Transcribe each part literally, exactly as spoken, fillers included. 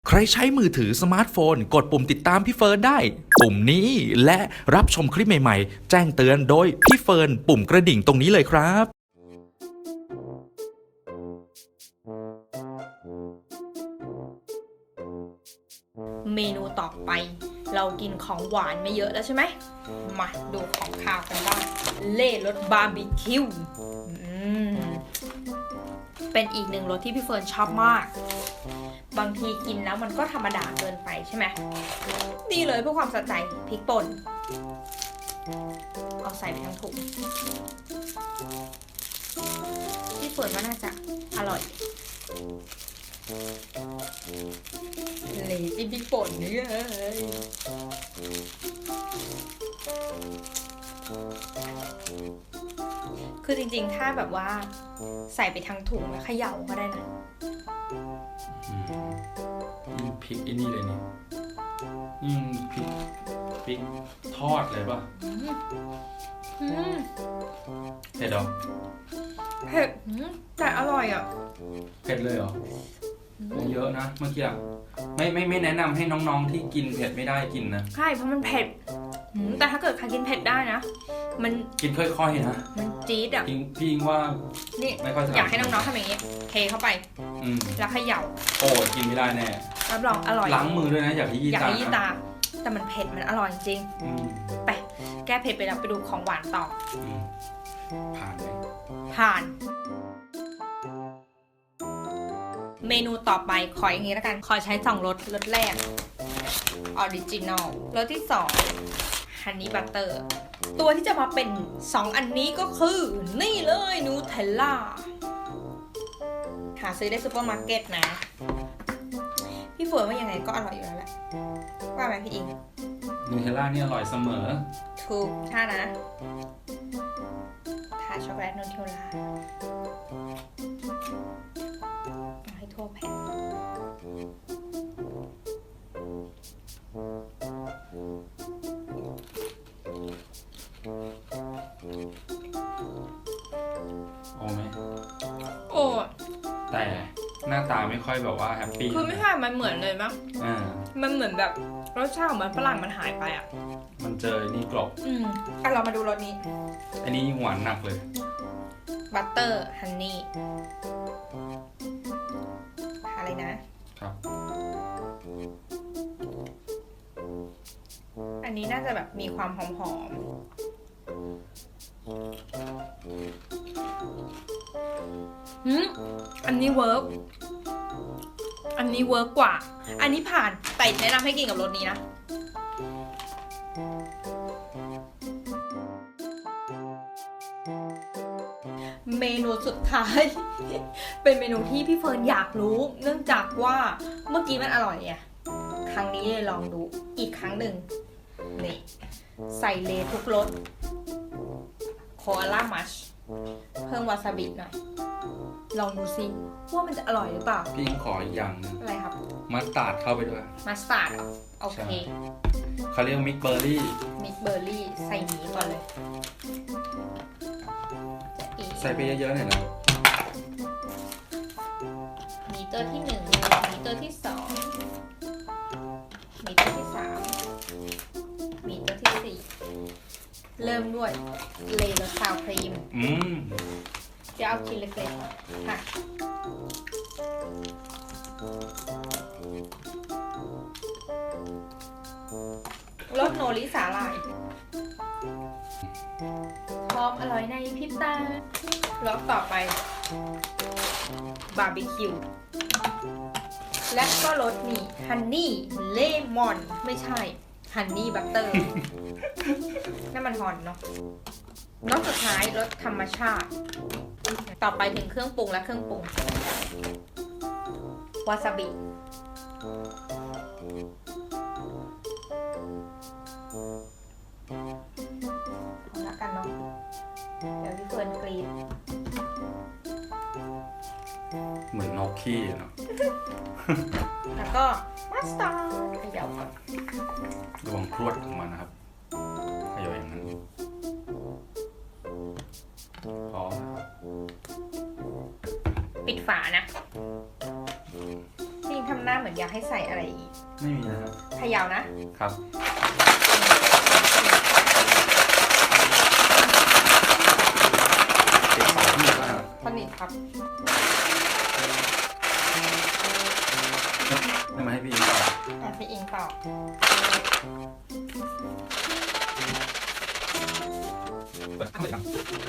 ใครใช้มือถือสมาร์ทโฟนกดปุ่มติดตามพี่เฟิร์นได้ปุ่มนี้และรับชมคลิปใหม่ๆแจ้งเตือนโดยพี่เฟิร์นปุ่มกระดิ่งตรงนี้เลยครับเมนูต่อไปเรากินของหวานไม่เยอะแล้วใช่ไหมมาดูของข้าวกันบ้างเล่รสบาร์บีคิวเป็นอีกหนึ่งรสที่พี่เฟิร์นชอบมากบางทีกินแล้วมันก็ธรรมดาเกินไปใช่ไหมนี่เลยเพื่อความสะใจพริกป่นเอาใส่ไปทั้งถุงพี่เฟิร์นว่าน่าจะอร่อยเลยจิ้มพริกป่นนี่เลยคือจริงๆถ้าแบบว่าใส่ไปทั้งถุงแล้วเขย่าก็ได้นะนี่พริกไอ้นี่เลยนี่นี่พริกพริกทอดเลยป่ะเผ็ดเหรอเผ็ดแต่อร่อยอ่ะเผ็ดเลยเหรอเยอะนะเมื่อกี้ไม่ไม่ไม่แนะนำให้น้องๆที่กินเผ็ดไม่ได้กินนะใช่เพราะมันเผ็ดแต่ถ้าเกิดใครกินเผ็ดได้นะมันกินค่อยๆนะมันจี๊ดอ่ะพี่ว่านี่ไม่ค่อยอยากให้น้องๆทำอย่างนี้เทเข้าไปแล้วเขย่าโอ้กินไม่ได้แน่รับรองอร่อยล้างมือด้วยนะอย่าให้ยี่ตาอยากให้ยี่ตาแต่มันเผ็ดมันอร่อยจริงไปแก้เผ็ดไปแล้วไปดูของหวานต่อผ่านไหมผ่านเมนูต่อไปขออย่างนี้แล้วกันขอใช้สองรสรสแรกออริจินอลรสที่สองฮันนี่บัตเตอร์ตัวที่จะมาเป็นสองอันนี้ก็คือนี่เลยนูเทลล่าหาซื้อได้ซูเปอร์มาร์เก็ตนะพี่เฟิร์นว่ายังไงก็อร่อยอยู่แล้วแหละว่าไหมพี่อิงนูเทลล่านี่อร่อยเสมอถูกใช่นะทาช็อกโกแลตนูเทลล่าให้ทั่วแผ่นโอ้ไหมโอ้แต่หน้าตาไม่ค่อยแบบว่าแฮปปี้คือไม่ใช่มันเหมือนเลยมั้งอ่ามันเหมือนแบบรสชาติของมันฝรั่งมันหายไปอ่ะมันเจอนี่กรอบอืมอ่ะเรามาดูรสนี้อันนี้หวานหนักเลยบัตเตอร์ฮันนี่อะไรนะครับอันนี้น่าจะแบบมีความหอมๆอืมอันนี้เวิร์กอันนี้เวิร์กกว่าอันนี้ผ่านแต่แนะนำให้กินกับรสนี้นะเมนูสุดท้าย เป็นเมนูที่พี่เฟิร์นอยากรู้เนื่องจากว่าเมื่อกี้มันอร่อยไงครั้งนี้เลยลองดูอีกครั้งหนึ่งนี่ใส่เลทุกรสโคอาล่ามัชเพิ่มวาซาบิหน่อยลองดูซิว่ามันจะอร่อยหรือเปล่าพี่ขออีกอย่างนึงอะไรครับมัสตาร์ดเข้าไปด้วยมัสตาร์ดโอเคเขาเรียกมิกเบอร์รี่มิกเบอร์รี่ใส่หมีก่อนเลยใส่ไปเยอะๆหน่อยนะมีตัวที่หนึ่งมีตัวที่สองมีตัวที่สามมีตัวที่สี่เริ่มด้วยเลย์รสซาวครีมอืมจะเอาชิ้นเล็กๆค่ะรสโนริสาหร่ายพร้อมอร่อยในพริบตารสต่อไปบาร์บีคิวและก็รสนี้ฮันนี่เลมอนไม่ใช่ฮันนี่บัตเตอร์นั่นมันฮอนเนาะรสสุดท้ายรสธรรมชาติต่อไปถึงเครื่องปรุงและเครื่องปรุงวาซาบิเอาละกันเนาะเดี๋ยวพี่เฟิร์นกรีดเหมือนนกขี้เนาะแล้วก็มัสตาร์ดเขย่าก่อนระวังพรวดของมันนะครับเขย่าอย่างนั้นพอปิดฝานะจริงทำหน้าเหมือนอยากให้ใส่อะไรอีกไม่มีนะครับพยาวนะครับติดสองที่มากสนิทครับไม่มาให้พี่อิงต่ออ่ะพี่อิงต่อเปิดข้างเลยครับ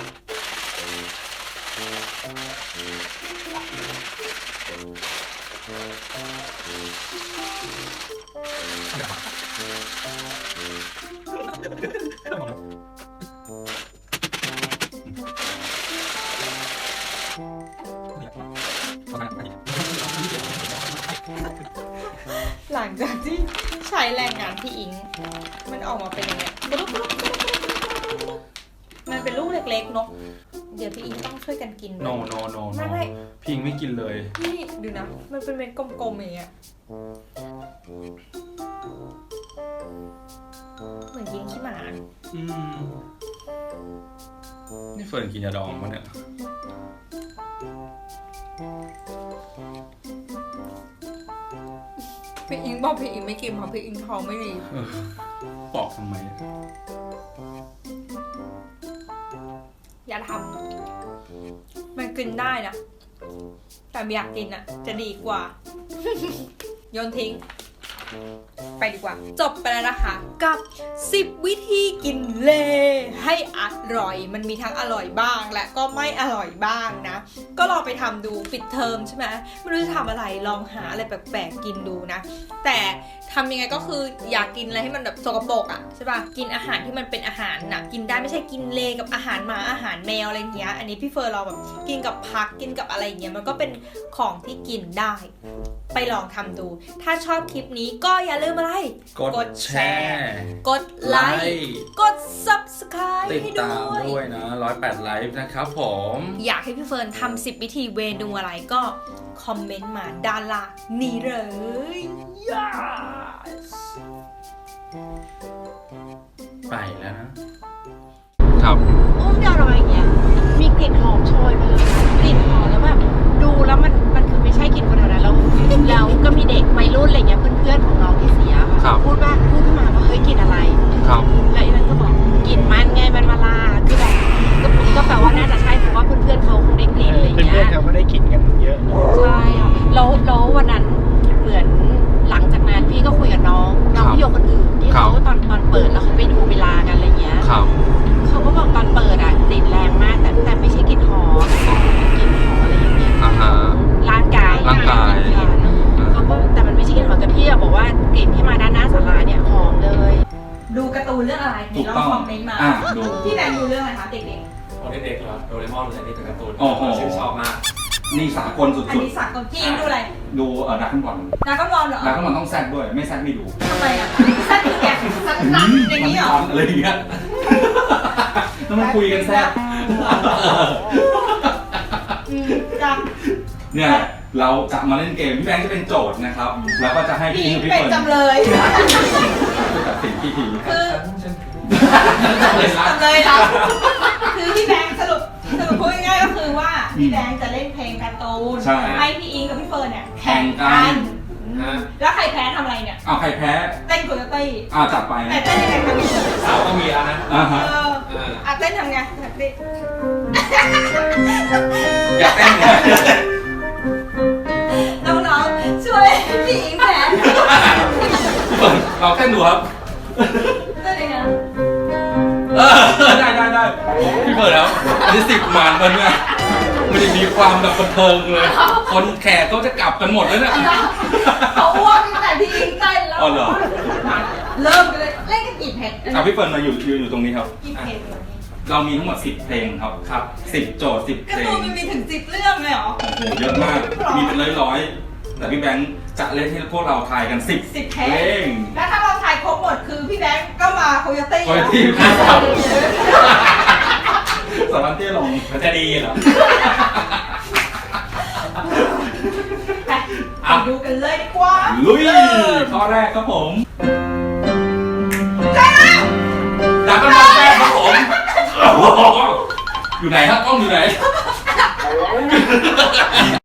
หลังจากที่ใช้แรงงานพี่อิง มันออกมาเป็นยังไงมันเป็นลูกเล็กๆเนาะเดี๋ยวพี่อิงต้องช่วยกันกินโนโนโนไม่ไม่พี่อิงไม่กินเลยนี่ดูนะ มันเป็นเม็ดกลมๆอย่างเงี้ยเหมือนกินขี้หมาอืมนี่เฟิร์นกินยาดองมาเนี่ยพี่อิงบอกพี่อิงไม่กินเพราะพี่อิงท้องไม่ดีเออปอกทำไมอย่าทำมันกินได้นะ แต่ไม่อยากกินอ่ะ จะดีกว่า โยนทิ้ง ไปดีกว่า จบไปแล้วนะคะ กับสิบวิธีกินเลให้อร่อย มันมีทั้งอร่อยบ้างและก็ไม่อร่อยบ้างนะ ก็ลองไปทำดูปิดเทอมใช่ไหมไม่รู้จะทำอะไรลองหาอะไรแปลกๆกินดูนะ แต่ทำยังไงก็คืออยากกินอะไรให้มันแบบสกปรกอ่ะใช่ป่ะกินอาหารที่มันเป็นอาหารน่ะกินได้ไม่ใช่กินเลกับอาหารหมาอาหารแมวอะไรอย่างเงี้ยอันนี้พี่เฟิร์นเราแบบกินกับผักกินกับอะไรอย่างเงี้ยมันก็เป็นของที่กินได้ ไปลองทำดู ถ้าชอบคลิปนี้ก็อย่าลืมอะไรกดแชร์กดไลค์กด ซับสไครบ์ติดให้ตามด้วยด้วยนะร้อยแปดไลฟ์นะครับผมอยากให้พี่เฟิร์นทำสิบวิธีเวนูอะไรก็คอมเมนต์มาด้านล่างนี้เลย yes ไปแล้วนะ ครับอุ้มดารอยอย่างเงี้ยมีกลิ่นหอมโชยมาเลยกลิ่นหอมแล้วแบบดูแล้วมันมันคือไม่ใช่กลิ่นคนแถวนั้นแล้วแล้วก็มีเด็กวัยรุ่นอะไรเงี้ยเพื่อนๆของน้องที่เสียครัค่ะบพูดว่าพูดขึ้นมาว่าเฮ้ยกลิ่นอะไรครับแล้วอีนั่นก็บอกกลิ่นมันไงมันมาลาคือแบบก็ก็แปลว่าน่าจะใช่เพราะว่าเพื่อนๆเขาคงได้กลิ่นอะไรเงี้ยเพื่อนๆเขาก็ได้กลิ่นกันเยอะใช่ค่ะแล้วแล้ววันนั้นเหมือนหลังจากนั้นพี่ก็คุยกับน้องน้องพี่โยคนอื่นที่เขาตอนตอนเปิดแล้วเขาไปดูเวลากันอะไรเงี้ยครับเขาก็บอกตอนเปิดอ่ะกลิ่นแรงมากแต่แต่ไม่ใช่กลิ่นหอมกลิ่นหอมอะไรอย่างเงี้ยอ่าฮะร่างกายร่างกายเขาก็แต่มันไม่ใช่กลิ่นหอมแต่พี่อะบอกว่ากลิ่นที่มาด้านหน้าศาลาเนี่ยหอมเลยดูการ์ตูนเรื่องอะไรถูกลองต้องคอมเมนต์มาอ่ะดูพี่แบงค์ดูเรื่องอะไรคะเด็กตอนเด็กๆเหรอโดเรมอนเลยนี่เป็นการ์ตูนโอ้โหชื่นชอบมากนี่สากลสุๆ อันดนี้สักกับพี่อิงดูอะไรๆ ดูเออดักขั้นบอลนาก็รอนเหรอดักขั้นบอลต้องแซดด้วย ไม่แซดไม่ดูทำไมอ่ะสั้นคือแกสั้นสั้นอย่างนี้เหรออะไรอย่างเงี้ยต้องมาคุยกันแซดอืมจ้ะเนี่ยเราจะมาเล่นเกมพี่แบงค์จะเป็นโจทย์นะครับ แล้วก็จะให้พี่พี่อิงพี่เป็นเฟิร์นจำเลยจะตัดสินพี่ทีคือจำเลยละจำเลยเราคือพี่แบงค์สรุปสรุปพูดง่ายๆก็คือว่าพี่แบงค์จะเล่นเพลงการ์ตูนใช่ให้พี่อิงกับพี่เฟิร์นเนี่ยแข่งกันอืมแล้วใครแพ้ทำอะไรเนี่ยเอาใครแพ้เต้นโคโยตี้อ่าจัดไปแต่เต้นยังไงคะพี่เฟิร์นเสาก็มีแล้วนะอ่าเอฮะอเอออ่ะเต้นทำไงแบบนี้อยากเต้นเนี่ยน้องๆช่วยพี่อิงแพ้พี่เฟิร์นเราเต้นดูครับเต้นยังไงเออได้ได้ได้พี่เฟิร์นแล้วอันนี้สิบมานมันเนี่ยมันจะมีความแบบบันเทิงเลย คนแขกเขาจะกลับกันหมดแล้วเนี่ยเขาอ้วกตั้งแต่พี่อิงเต้นแล้วอ๋อเหรอเริ่มกันเลยเล่นกันกี่เพลงอ่ะพี่เฟิร์นมาอยู่อยู่อยู่ตรงนี้ครับกี่เพลงเรามีทั้งหมดสิบเพลงครับครับสิบโจทย์สิบเพการ์ลตูงนมันมีถึงสิบเรื่องเลยเหรอโอ้โหเยอะมาก มีเป็นร้อยๆแต่พี่แบงค์จะเล่นให้พวกเราทายกันสิบสิบเพเพลลงงแล้วถ้าเราถ่ายครบหมดคือพี่แบงค์ก็มาโคโยตี้โคโยตี้ครับสารันเตี้ยลงมันจะดีเหรอไปไปดูกันเลยดีกว่าลุยข้อแรกครับผมใช่แล้วดักกันบอลแรกครับผมอยู่ไหนครับกล้องอยู่ไหน